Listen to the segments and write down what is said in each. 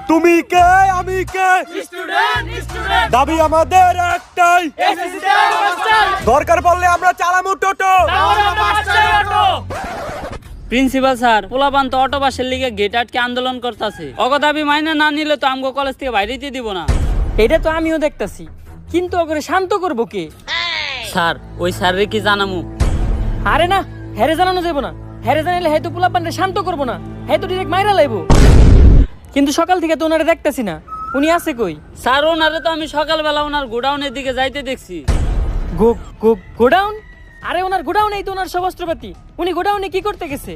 তুমি কে আমি কে স্টুডেন্ট দাবি আমাদের একটাই, এসএসসি মাস্টার দরকার পড়লে আমরা চালামু টোটো। প্রিন্সিপাল স্যার পোলাপান তো অটো বাসের লিগে গেট আটকে আন্দোলন করতেছে। অগ দাবি মাইনে না নিলে তো আমগো কলেজ থেকে বাইরে দিয়ে দিব না। এটা তো আমিও দেখতাছি, কিন্তু ওকে শান্ত করবো কে? স্যার ওই স্যারের কি জানামু? আরে না, হেরে জানানো যাবো না। হেরে জানাইলে হয়তো পোলাপানরে শান্ত করবো না, হয়তো ডিরেক্ট মাইরা লাইবো। কিন্তু সকাল থেকে তো ওনারে দেখতেছি না, উনি আছে কই? স্যার ওনারে তো আমি সকালবেলা ওনার গোডাউনের দিকে যাইতে দেখছি। গোডাউন? আরে ওনার গোডাউনেই তো ওনার সব অস্ত্রপাতি। উনি গোডাউনে কি করতে গেছে?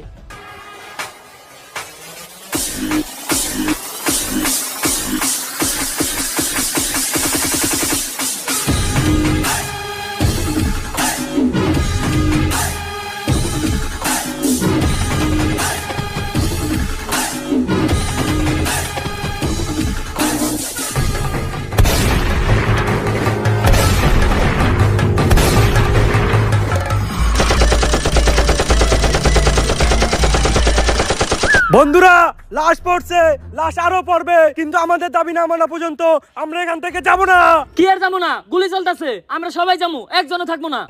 বন্ধুরা লাশ পড়ছে, লাশ আরো পড়বে, কিন্তু আমাদের দাবি না মানা পর্যন্ত আমরা এখান থেকে যাব না। কি আর যাবো না? গুলি চলতেছে, আমরা সবাই যাবো, একজনও থাকবো না।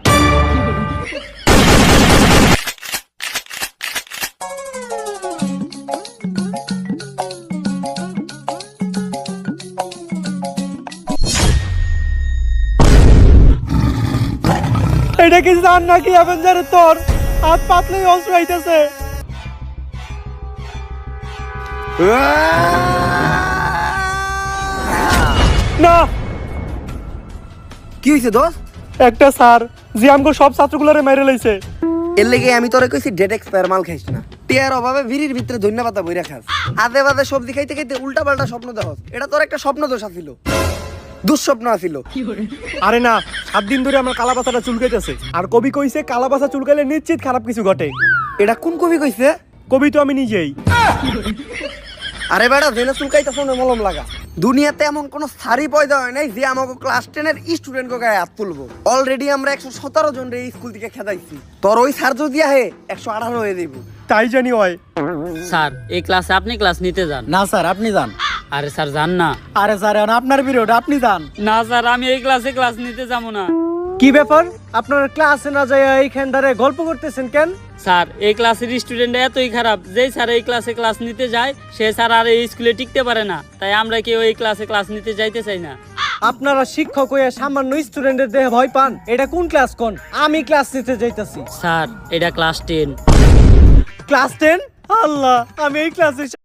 এটা কি জান নাকি অ্যাভেঞ্জারের তোর হাত পাতলেই অস্ত্র আইতেছে। না কি হইছে দোস্ত? একটা স্যার যে আমগো সব ছাত্রগুলোরে মেরে লইছে। এর লেগে আমি তোরে কইছি ডেট এক্সপায়ার মাল খাইস না। টিয়ার অভাবে ভিড়ির ভিতরে ধন্যবাদ বইরা খাস। আদে বাদে সবজি খাইতে খাইতে উল্টা পাল্টা স্বপ্ন দেখস। এটা তোর একটা স্বপ্ন দোষ আছিল, দুঃস্বপ্ন আছিল। আরে না, 7 দিন ধরে আমার কালাপাতাটা চুলকাইতেছে, আর কবি কইছে কালাপাতা চুলকাইলে নিশ্চিত খারাপ কিছু ঘটে। এটা কোন কবি কইছে? কবি তো আমি নিজেই। আরে বেটা জেনে চুলকাইতাছ না মলম লাগা। দুনিয়াতে এমন কোন সারি পয়দা হয় নাই যে আমাকে ক্লাস 10 এর স্টুডেন্ট কে গায়ে হাত তুলবো। অলরেডি আমরা 117 জন রে স্কুল থেকে খেদাইছি। তোর ওই স্যার যদি আহে 118 হয়ে যাইব। তাই জানি হয়। স্যার এই ক্লাসে আপনি ক্লাস নিতে যান। না স্যার আপনি যান। আরে স্যার যান না। আরে স্যার এখন আপনার পিরিয়ড, আপনি যান। না স্যার আমি এই ক্লাসে ক্লাস নিতে যাবো না। কি ব্যাপার, আপনারা ক্লাসে না যায় এইখান ধারে গল্প করতেছেন কেন? স্যার এই ক্লাসের স্টুডেন্ট এতই খারাপ, যেই স্যার এই ক্লাসে ক্লাস নিতে যায় সে স্যার আর এই স্কুলে টিকতে পারে না। তাই আমরা কেউ এই ক্লাসে ক্লাস নিতে যাইতে চাই না। আপনারা শিক্ষক হয়ে সামান্য স্টুডেন্টের দেহে ভয় পান? এটা কোন ক্লাস কোন? আমি ক্লাস নিতে যাইতাছি। স্যার এটা ক্লাস 10। ক্লাস 10? আল্লাহ, আমি এই ক্লাসে